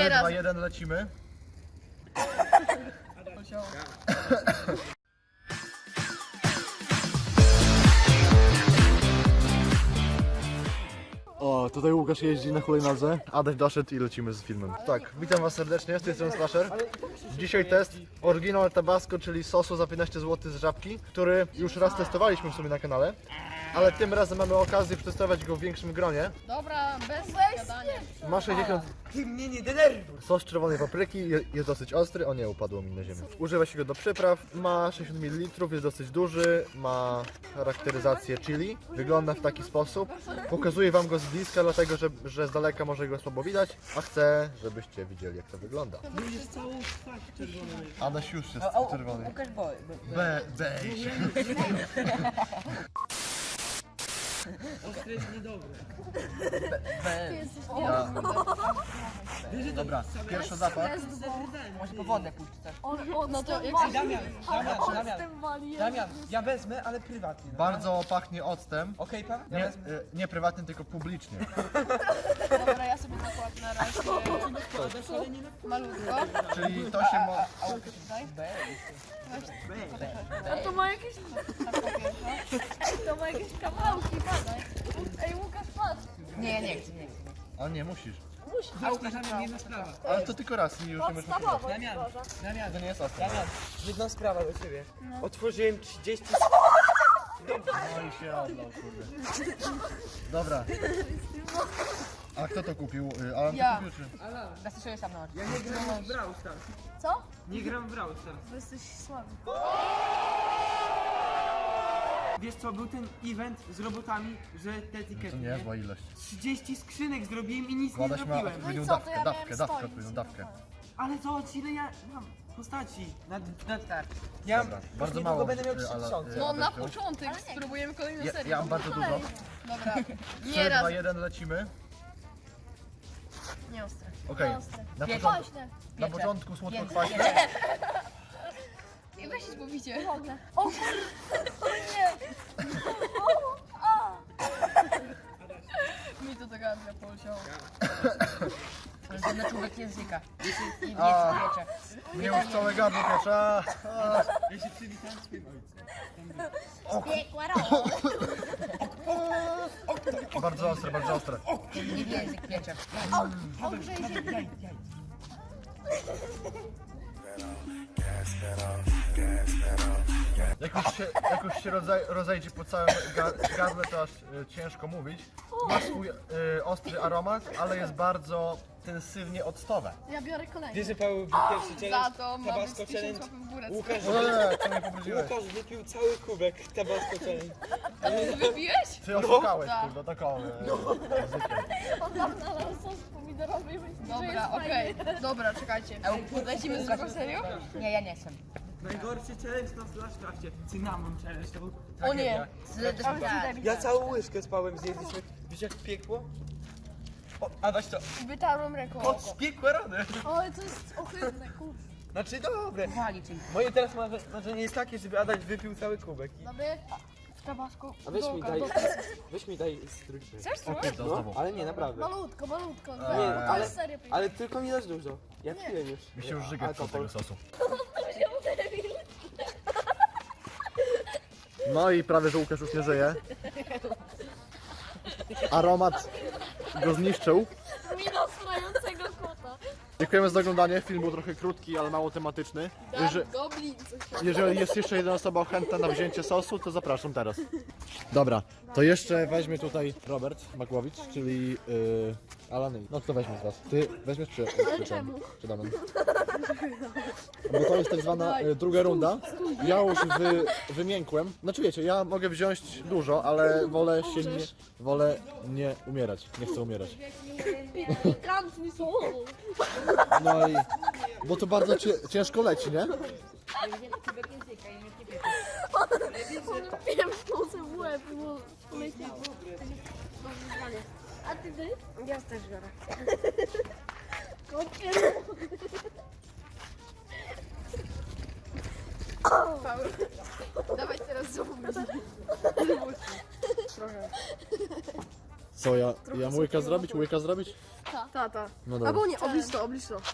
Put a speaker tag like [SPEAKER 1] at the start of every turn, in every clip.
[SPEAKER 1] Nieraz.
[SPEAKER 2] 2, 1, lecimy. O, tutaj Łukasz jeździ na hulajnodze, Adaś doszedł i lecimy z filmem. Tak, witam was serdecznie, z tej strony Slasher. Dzisiaj test Original Tabasco, czyli sosu za 15 zł z Żabki, który już raz testowaliśmy w sumie na kanale, ale tym razem mamy okazję przetestować go w większym gronie.
[SPEAKER 1] Dobra, bez gadania.
[SPEAKER 2] Ma 60...
[SPEAKER 3] Ty mnie nie denerwuj!
[SPEAKER 2] Sos czerwonej papryki, jest dosyć ostry, o nie, upadło mi na ziemię. Używa się go do przypraw, ma 60 ml, jest dosyć duży, ma charakteryzację chili, wygląda w taki sposób. Pokazuję wam go z bliska, dlatego że z daleka może go słabo widać, a chcę, żebyście widzieli, jak to wygląda.
[SPEAKER 3] Już jest całą twarz czerwoną.
[SPEAKER 2] Adaś już jest czerwony.
[SPEAKER 3] Łukasz boi.
[SPEAKER 2] Beź.
[SPEAKER 3] Ostry jest niedobry.
[SPEAKER 2] Dobra, pierwszy zapach.
[SPEAKER 3] Może po wodę pójść też.
[SPEAKER 1] No to jak
[SPEAKER 3] Damian, ja wezmę, ale prywatnie. No.
[SPEAKER 2] Bardzo pachnie octem.
[SPEAKER 3] Okej, pan? Ja
[SPEAKER 2] Nie,
[SPEAKER 3] wezmę.
[SPEAKER 2] nie prywatnie, tylko publicznie.
[SPEAKER 1] Dobra, ja sobie nakładam na razie malutko.
[SPEAKER 2] Czyli to się ma...
[SPEAKER 1] A to ma jakieś... To ma jakieś kawałki, badaj. Ej, Łukasz, patrz.
[SPEAKER 3] Nie chcę.
[SPEAKER 2] A nie, musisz.
[SPEAKER 3] A Łukasz, Damian, jedna sprawa.
[SPEAKER 2] Ale to tylko raz i już nie możesz próbować.
[SPEAKER 3] Damian,
[SPEAKER 2] To nie jest ostre.
[SPEAKER 3] Damian, jedna sprawa do ciebie. Otworzyłem 30...
[SPEAKER 2] No i się oddał, kurde. Dobra. A kto to kupił? Alan
[SPEAKER 1] Ja.
[SPEAKER 2] to kupił czy?
[SPEAKER 1] Zasłyszałeś sam na oczy.
[SPEAKER 3] Ja nie gram w Brawl Stars.
[SPEAKER 1] Co?
[SPEAKER 3] Nie gram w Brawl Stars.
[SPEAKER 1] Bo jesteś słaby.
[SPEAKER 3] Wiesz co, był ten event z robotami, że te
[SPEAKER 2] To
[SPEAKER 3] etykiety,
[SPEAKER 2] nie jest zła ilość.
[SPEAKER 3] 30 skrzynek zrobiłem i nic nie
[SPEAKER 2] Adaś ma
[SPEAKER 3] zrobiłem.
[SPEAKER 2] odpowiednią
[SPEAKER 1] co, to
[SPEAKER 2] dawkę,
[SPEAKER 1] ja
[SPEAKER 2] dawkę,
[SPEAKER 1] miałem
[SPEAKER 2] dawkę,
[SPEAKER 1] swoich.
[SPEAKER 2] odpowiednią dawkę.
[SPEAKER 3] Ale zobacz ile ja mam postaci. Ja
[SPEAKER 2] Dobra,
[SPEAKER 3] już
[SPEAKER 2] bardzo
[SPEAKER 3] niedługo
[SPEAKER 2] mało.
[SPEAKER 3] będę miał
[SPEAKER 2] ale,
[SPEAKER 3] 3000.
[SPEAKER 1] No na
[SPEAKER 2] Adaś,
[SPEAKER 1] początek spróbujemy kolejną serię.
[SPEAKER 2] ja mam bardzo dużo.
[SPEAKER 1] Dobra,
[SPEAKER 2] 3,
[SPEAKER 1] nieraz.
[SPEAKER 2] 2, 1, lecimy.
[SPEAKER 1] Nie ostre.
[SPEAKER 2] Okej, na początku słodko-kwaśne.
[SPEAKER 1] I weź się zbawicie. O nie! Mi to do gardła poleciało.
[SPEAKER 4] To na człowiek języka. I
[SPEAKER 2] A.
[SPEAKER 4] wiecie.
[SPEAKER 2] Mnie już całe gardło piecze. A.
[SPEAKER 3] Ja się przywitałem z swoim ojcem.
[SPEAKER 2] Bardzo ostre, bardzo ostre.
[SPEAKER 4] I język piecze.
[SPEAKER 2] Jak już się rozejdzie po całym gardle, to aż ciężko mówić. Ma swój ostry aromat, ale jest bardzo intensywnie octowe.
[SPEAKER 1] Ja biorę kolejny.
[SPEAKER 3] Wiesz, że Paweł był pierwszy
[SPEAKER 1] Za
[SPEAKER 3] challenge,
[SPEAKER 1] to ma być
[SPEAKER 3] Tabasco
[SPEAKER 1] 1000
[SPEAKER 3] challenge.
[SPEAKER 1] łapek w górę.
[SPEAKER 3] Łukasz,
[SPEAKER 2] Co mnie pobrudziłeś?
[SPEAKER 3] Łukasz wypił cały kubek Tabasco challenge.
[SPEAKER 1] A ty wypiłeś?
[SPEAKER 2] Ty oszukałeś,
[SPEAKER 1] Tak.
[SPEAKER 2] kurde, taką
[SPEAKER 5] On nam nalał sos pomidorowy i myśli, że
[SPEAKER 1] Dobra,
[SPEAKER 5] jest
[SPEAKER 1] okej. Dobra, czekajcie. Lecimy z drugą serią?
[SPEAKER 4] Nie, ja nie chcę.
[SPEAKER 3] Najgorszy challenge na Slashcrafcie. Cynamon challenge, to był
[SPEAKER 1] O nie.
[SPEAKER 3] Ja całą łyżkę spałem, zjedliśmy. Wiesz jak piekło? O, a weź to.
[SPEAKER 1] Wytarłem ręką
[SPEAKER 3] O,
[SPEAKER 1] oko.
[SPEAKER 3] spiekłe rany.
[SPEAKER 5] Oj, to jest ohydne, kurwa.
[SPEAKER 3] Znaczy dobre.
[SPEAKER 4] Wali czyli.
[SPEAKER 3] Moje teraz marzenie jest takie, żeby Adaś wypił cały kubek.
[SPEAKER 1] Dobry. W tabasku.
[SPEAKER 3] A weź mi
[SPEAKER 1] Dołka,
[SPEAKER 3] daj,
[SPEAKER 1] dołka.
[SPEAKER 3] weź mi daj strójkę.
[SPEAKER 1] Chcesz spróbować?
[SPEAKER 3] No, ale nie, naprawdę.
[SPEAKER 5] Malutko.
[SPEAKER 3] Nie,
[SPEAKER 5] To
[SPEAKER 3] ale,
[SPEAKER 5] jest serio piękne.
[SPEAKER 3] ale tylko nie dasz dużo. Ja piłem już.
[SPEAKER 2] Mi się już żygać od
[SPEAKER 3] Alkohol.
[SPEAKER 2] tego sosu. No i prawie, że Łukasz już nie żyje. Aromat go zniszczył.
[SPEAKER 5] Mina strającego kota.
[SPEAKER 2] Dziękujemy za oglądanie. Film był trochę krótki, ale mało tematyczny.
[SPEAKER 5] Goblin, coś.
[SPEAKER 2] Jeżeli jest jeszcze jedna osoba chętna na wzięcie sosu, to zapraszam teraz. Dobra, to jeszcze weźmie tutaj Robert Makłowicz, czyli Alan. No kto weźmie z was? Ty weźmiesz czy Damian? Bo to jest tak zwana druga runda. Ja już wymiękłem. Znaczy wiecie, ja mogę wziąć dużo, ale wolę nie umierać. Nie chcę umierać.
[SPEAKER 5] Pikantni są.
[SPEAKER 2] No i bo to bardzo ciężko leci, nie?
[SPEAKER 5] Pieprzną sobie w łeb, bo poleciało. A ty? Ja też biorę.
[SPEAKER 1] Paweł. Dawaj teraz znowu
[SPEAKER 2] Co, ja łyka zrobić? Łyka zrobić?
[SPEAKER 5] Tak.
[SPEAKER 1] Tata.
[SPEAKER 2] No dobra.
[SPEAKER 1] Albo nie, oblicz to, oblicz to.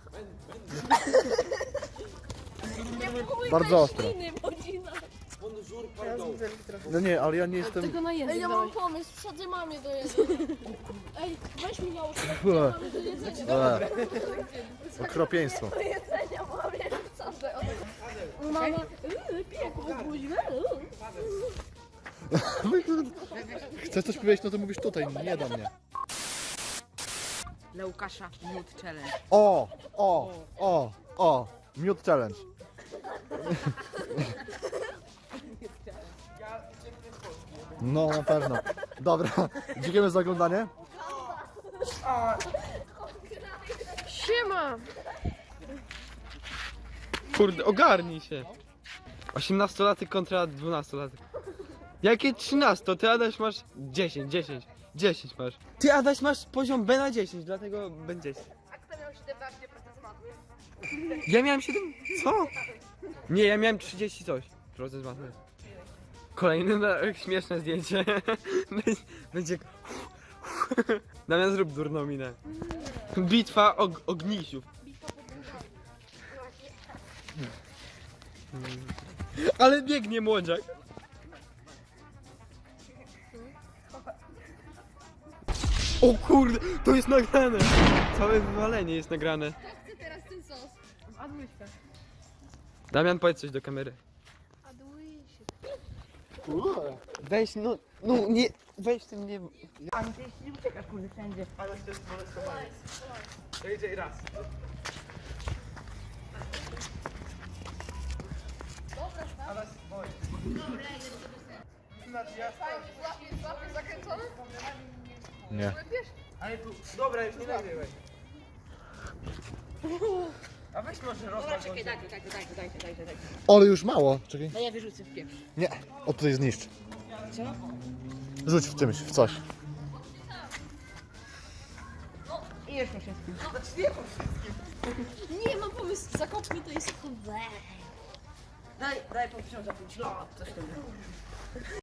[SPEAKER 2] Bardzo ostro.
[SPEAKER 3] Bonjour,
[SPEAKER 1] Ja
[SPEAKER 3] pardon.
[SPEAKER 1] zbudzę trochę.
[SPEAKER 2] No nie, ale ja nie jestem...
[SPEAKER 1] Tylko na język
[SPEAKER 5] Ej, ja
[SPEAKER 1] dawaj.
[SPEAKER 5] mam pomysł, wsadzę mamie do jedzenia. Ej, weź mi naucz,
[SPEAKER 2] Ue,
[SPEAKER 5] mamy do jedzenia.
[SPEAKER 2] okropieństwo.
[SPEAKER 5] Do jedzenia mamie wsadzę. Mama, piekło, buźmę.
[SPEAKER 2] Chcesz coś powiedzieć, no to mówisz tutaj, nie do mnie.
[SPEAKER 4] Dla Łukasza Nude Challenge.
[SPEAKER 2] Mute challenge. No, na pewno. Dobra, dziękujemy za oglądanie.
[SPEAKER 1] Siema!
[SPEAKER 6] Kurde, ogarnij się. 18-latek kontra 12-latek. Jakie 13? Ty Adaś masz 10 masz. Ty Adaś masz poziom B na 10, dlatego będzie 10.
[SPEAKER 1] A kto miał 17% z matmy?
[SPEAKER 6] Ja miałem 7. Co? Nie, ja miałem 30 coś. Proces matmy. Kolejne śmieszne zdjęcie. Będzie. Damian, zrób durną minę. Bitwa ognisiów. Ale biegnie młodziak. O kurde, to jest nagrane. Całe wywalenie jest nagrane.
[SPEAKER 5] Chcę teraz ten sos.
[SPEAKER 6] Damian, powiedz coś do kamery. Weź, no nie, weź tym nie...
[SPEAKER 4] A ty nie uciekasz, kurde, wszędzie.
[SPEAKER 3] Ale to jest molestowanie. To idzie raz. Ale boję. Znaczy ja
[SPEAKER 1] Złapie zakręcony?
[SPEAKER 2] Nie.
[SPEAKER 3] Ale tu, dobra, już nie nagrywaj. A weź może rozmawiać.
[SPEAKER 4] Czekaj, dajcie.
[SPEAKER 2] Ale już mało. Czekaj.
[SPEAKER 4] No ja wyrzucę w pieprz.
[SPEAKER 2] Nie, o tutaj zniszcz.
[SPEAKER 4] Co?
[SPEAKER 2] Rzuć w czymś, w coś.
[SPEAKER 4] I już po wszystkim.
[SPEAKER 5] Nie, mam pomysł, zakopnij to jest...
[SPEAKER 4] Daj po 5 lat, coś tam.